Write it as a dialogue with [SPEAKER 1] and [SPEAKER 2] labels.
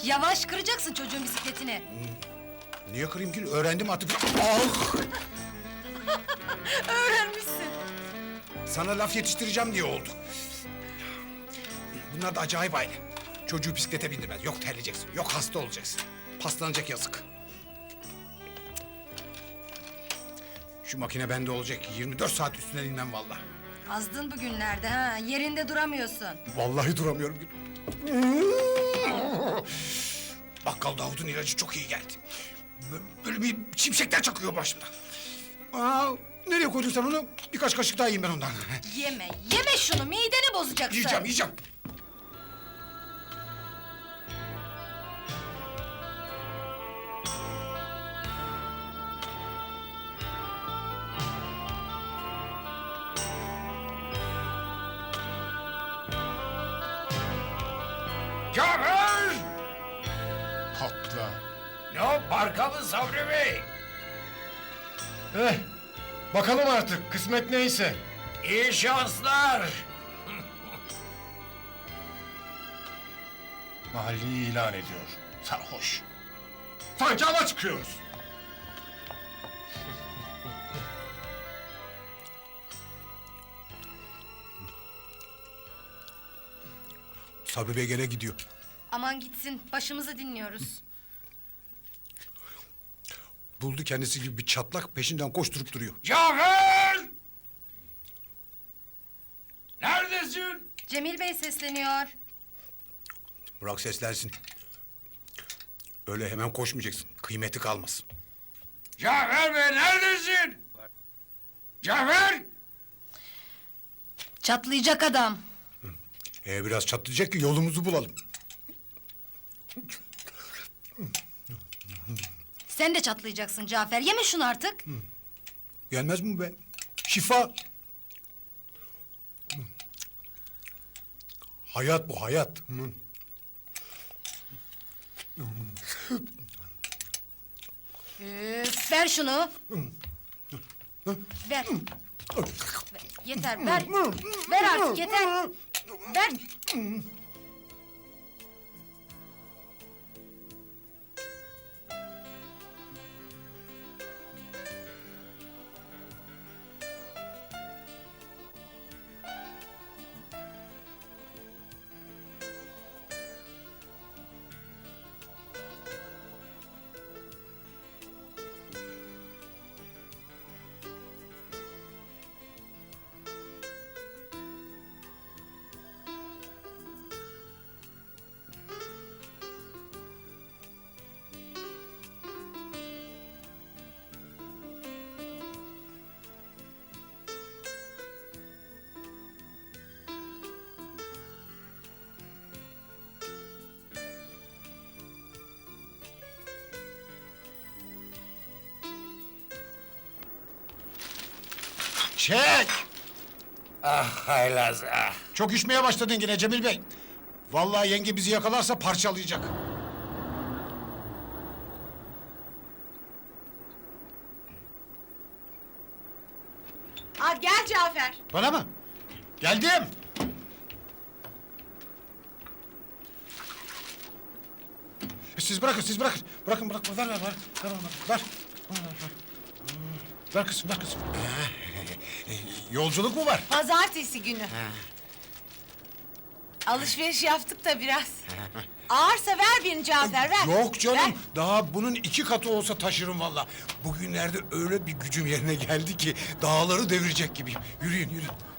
[SPEAKER 1] Yavaş, kıracaksın çocuğun bisikletini.
[SPEAKER 2] Niye kırayım ki? Öğrendim artık. Ah!
[SPEAKER 1] Öğrenmişsin.
[SPEAKER 2] Sana laf yetiştireceğim diye oldu. Bunlar da acayip aile. Çocuğu bisiklete bindirmez. Yok terleyeceksin, yok hasta olacaksın. Paslanacak yazık. Şu makine bende olacak. 24 saat üstüne inmem vallahi.
[SPEAKER 1] Azdın bugünlerde ha, yerinde duramıyorsun.
[SPEAKER 2] Vallahi duramıyorum. Bakkal Davud'un ilacı çok iyi geldi. Böyle bir şimşekler çakıyor başımda. Aa, nereye koydun sen onu? Birkaç kaşık daha yiyeyim ben ondan.
[SPEAKER 1] Yeme şunu, mideni bozacaksın.
[SPEAKER 2] Yiyeceğim.
[SPEAKER 3] Cafer!
[SPEAKER 2] Patla.
[SPEAKER 3] Ne o, parka mı Sabri Bey?
[SPEAKER 4] Bakalım artık, kısmet neyse.
[SPEAKER 3] İyi şanslar.
[SPEAKER 4] Mahalleyi ilan ediyor, sarhoş. Sanki hava çıkıyoruz.
[SPEAKER 2] Sabri Bey gene gidiyor.
[SPEAKER 1] Aman gitsin, başımızı dinliyoruz.
[SPEAKER 2] Buldu kendisi gibi bir çatlak, peşinden koşturup duruyor.
[SPEAKER 3] Cafer! Neredesin?
[SPEAKER 1] Cemil Bey sesleniyor.
[SPEAKER 2] Bırak seslensin. Öyle hemen koşmayacaksın, kıymeti kalmaz.
[SPEAKER 3] Cafer Bey neredesin? Cafer!
[SPEAKER 1] Çatlayacak adam.
[SPEAKER 2] Biraz çatlayacak ki yolumuzu bulalım.
[SPEAKER 1] Sen de çatlayacaksın Cafer, yeme şunu artık.
[SPEAKER 2] Gelmez mi be? Şifa. Hayat bu, hayat.
[SPEAKER 1] Ver şunu. Ver. Yeter, ver. Ver artık, yeter. Ver.
[SPEAKER 2] Çek!
[SPEAKER 3] Ah haylaz ah.
[SPEAKER 2] Çok üşmeye başladın yine Cemil Bey. Vallahi yenge bizi yakalarsa parçalayacak.
[SPEAKER 5] Gel Cafer.
[SPEAKER 2] Bana mı? Geldim. Siz bırakın, siz bırakın. Bırakın, ver. Ver. Ver kızım, ver kızım. Yolculuk mu var?
[SPEAKER 5] Pazartesi günü. Alışveriş yaptık da biraz. Ağırsa ver birini Cafer, ver.
[SPEAKER 2] Yok canım,
[SPEAKER 5] Ver.
[SPEAKER 2] daha bunun 2 katı olsa taşırım vallahi. Bugünlerde öyle bir gücüm yerine geldi ki dağları devirecek gibiyim. Yürüyün.